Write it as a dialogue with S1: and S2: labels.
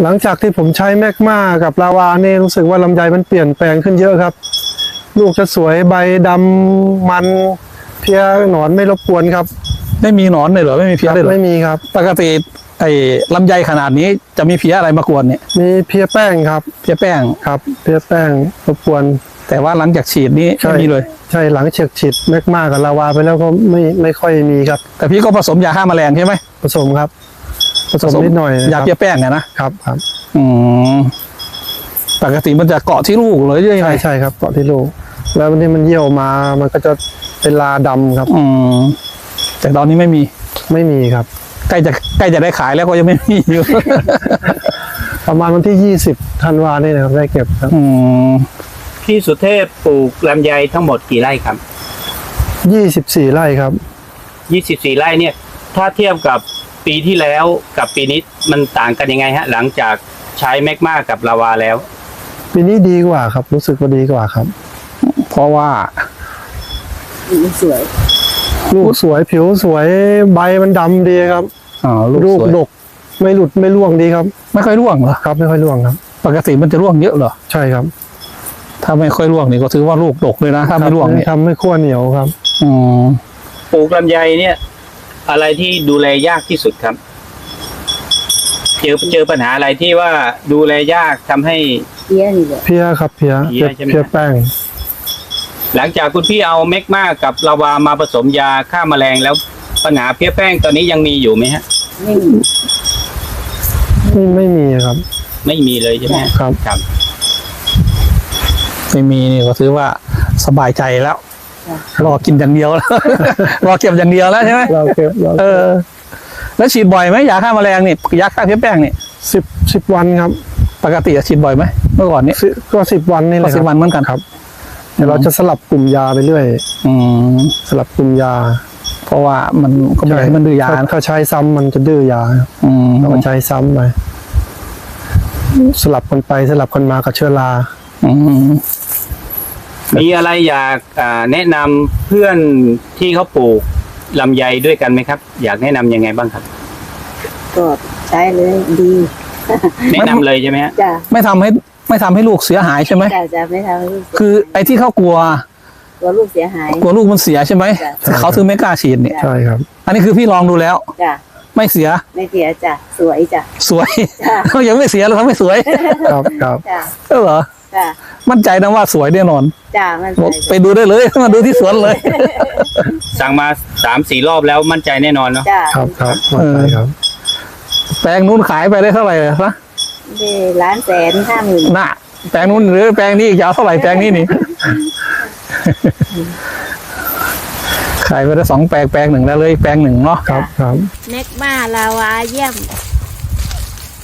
S1: หลังจากที่ผมใช้แมกมากับลาวาเนี่ยรู้สึกว่าลำไยมันเปลี่ยนแปลงขึ้นเยอะครับลูกจะสวยใบดำมันเพี้ยหนอนไม่รบกวนครับ
S2: ไม่มีหนอนเลยเหรอไม่มีเพี้ยเลยเหรอ
S1: ไม่มีครับ
S2: ปกติไอ้ลำไยขนาดนี้จะมีเพี้ยอะไรมากวนเนี่ย
S1: มีเพี้ยแป้งครับ
S2: เพี้ยแป้ง
S1: ครับเพี้ยแป้งรบกวน
S2: แต่ว่าหลังจากฉีดนี้ไม่มีเลย
S1: ใช่หลังเฉียดฉีดแมกมากับลาวาไปแล้วก็ไม่ค่อยมีครับ
S2: แต่พี่ก็ผสมยาฆ่าแมลงใช่ไหม
S1: ผสมครับผสมนิดหน่อย
S2: ยา
S1: ครับ
S2: เพี้ยแป้งเนี่ยนะครับ
S1: ครับ
S2: อืมปกติมันจะเกาะที่ลูกเลยใช่ไหม
S1: ใช่ครับเกาะที่ลูกแล้ววันนี้มันเยี่ยวมามันก็จะเป็นลาดำครับ
S2: อืมแต่ตอนนี้ไม่มี
S1: ไม่มีครับ
S2: ใกล้จะได้ขายแล้วก็ยังไม่มีอยู่
S1: ประมาณวันที่20 ธันวาเนี่ยนะครับได้เก็บครับ
S2: อืม
S3: พี่สุเทพปลูกลำไยทั้งหมดกี่ไร่ครับ
S1: 24 ไร่ครับ
S3: 24 ไร่เนี่ย ถ้าเทียบกับปีที่แล้วกับปีนี้มันต่างกันยังไงฮะ หลังจากใช้แมกมากับลาวาแล้ว
S1: ปีนี้ดีกว่าครับรู้สึกว่าดีกว่าครับ
S2: เพราะว่า
S4: สวย
S1: ลูกสวยผิวสวยใบมันดำดีครับ
S2: ลู
S1: ลู
S2: ก
S1: ก
S2: สวย
S1: ดกไม่หลุดไม่ร่วงดีครับ
S2: ไม่ค่อยร่วงเหรอ
S1: ครับไม่ค่อยร่วงครับ
S2: ปกติมันจะร่วงเยอะเหรอ
S1: ใช่ครับ
S2: ถ้าไม่ค่อยร่วงนี่ก็ถือว่าลูกดกเลยนะถ้าไม่ร่วงเนี่ย
S1: ทำให้ขั้วเหนียวครับ
S2: อืม
S3: ปลูกลำไยเนี่ย อะไรที่ดูแลยากที่สุดครับ เจอปัญหาอะไรที่ว่าดูแลยากทำให้
S4: เพี้ยนี่แหละ
S1: เพี้ยครับเพี้ย
S3: เพี้ยใช่ไหม
S1: เพี้ยแป้ง
S3: หลังจากคุณพี่เอาแมกมากับลาวามาผสมยาฆ่าแมลงแล้วปัญหาเพี้ยแป้งตอนนี้ยังมีอยู่ไหมฮะ
S4: ไม่มี
S1: ไม่มีครับ
S3: ไม่มีเลยใช่ไหมฮะ
S1: ครับ
S3: ครับ
S2: ไม่มีนี่ก็ถือว่าสบายใจแล้ว
S4: จ้ะ
S2: รอกินอย่างเดียวแล้ว รอเก็บอย่างเดียวแล้วใช่ไหม
S1: เราเก็บเรา
S2: เออ แล้วฉีดบ่อยไหมยาฆ่าแมลงนี่ยาฆ่าเพี้ยแป้งนี่
S1: 10 วันครับ
S2: ปกติฉีดบ่อยไหมเมื่อก่อนนี้
S1: ก็10 วันนี่แห
S2: ก็
S1: ละค
S2: สิ
S1: รั
S2: บบ วันเหมือนกัน
S1: ครับเดี๋ยวเราจะสลับกลุ่มยาไปเรื่อย
S2: อืม
S1: สลับกลุ่มยา
S2: เพราะว่ามันก็ไม่อยากให้มันดื้อยา
S1: ถ้าใช้ซ้ำมันจะดื้อยาครับ
S2: อืม
S1: เราก็ใช้ซ้ำไปสลับกันไปสลับกันมากับเชื้อรา
S2: อืม
S3: มีอะไรอยากแนะนำเพื่อนที่เขาปลูกลำไยด้วยกันไหมครับ อยากแนะนำยังไงบ้างครับ
S4: ก็ใช้เลยดี
S3: แนะนำเลยใช่ไหมฮะ
S4: จ้ะ
S2: ไม่ทำให้ลูกเสียหายใช่ไหม
S4: จะไม่ทำให้ลูก
S2: คือไอ้ที่เขากลัว
S4: ตัวลูกเสียหาย
S2: กลัวลูกมันเสียใช่ไหม
S4: จ้ะ
S2: เขาถึงไม่กล้าฉีดเนี่ย
S1: ใช่ครับ
S2: อันนี้คือพี่ลองดูแล้ว
S4: จ้ะ
S2: ไม่เสีย
S4: ไม่เสียจ้ะสวยจ้ะ
S2: สวย
S4: จ้ะ
S2: เขายังไม่เสียแล้วเขาไม่สวย
S1: ครับครับ
S4: จ้ะ
S2: เออเหรอ
S4: จ้ะ
S2: มั่นใจนะว่าสวยแน่นอน
S4: จ้ะมัน
S2: บอก
S4: ใส่
S2: ไปดูได้เลย มาดูที่สวนเลย
S3: สั่งมา 3-4 รอบแล้วมั่นใจแน่นอนเนาะ
S4: จ้ะ
S1: ครับครับมั่นใจครับ
S2: แปลงนู้นขายไปได้เท่าไหร่นะ
S4: ได้1,150,000
S2: น่ะแปลงนู้นหรือแปลงนี้ยาวเท่าไหร่แปลงนี้นี่ ขายไปได้2 แปลง แปลงหนึ่งแล้วเลยแปลงหนึ่งเนาะ
S1: ครับครับ
S4: เน็กมาลาวาเยี่ยม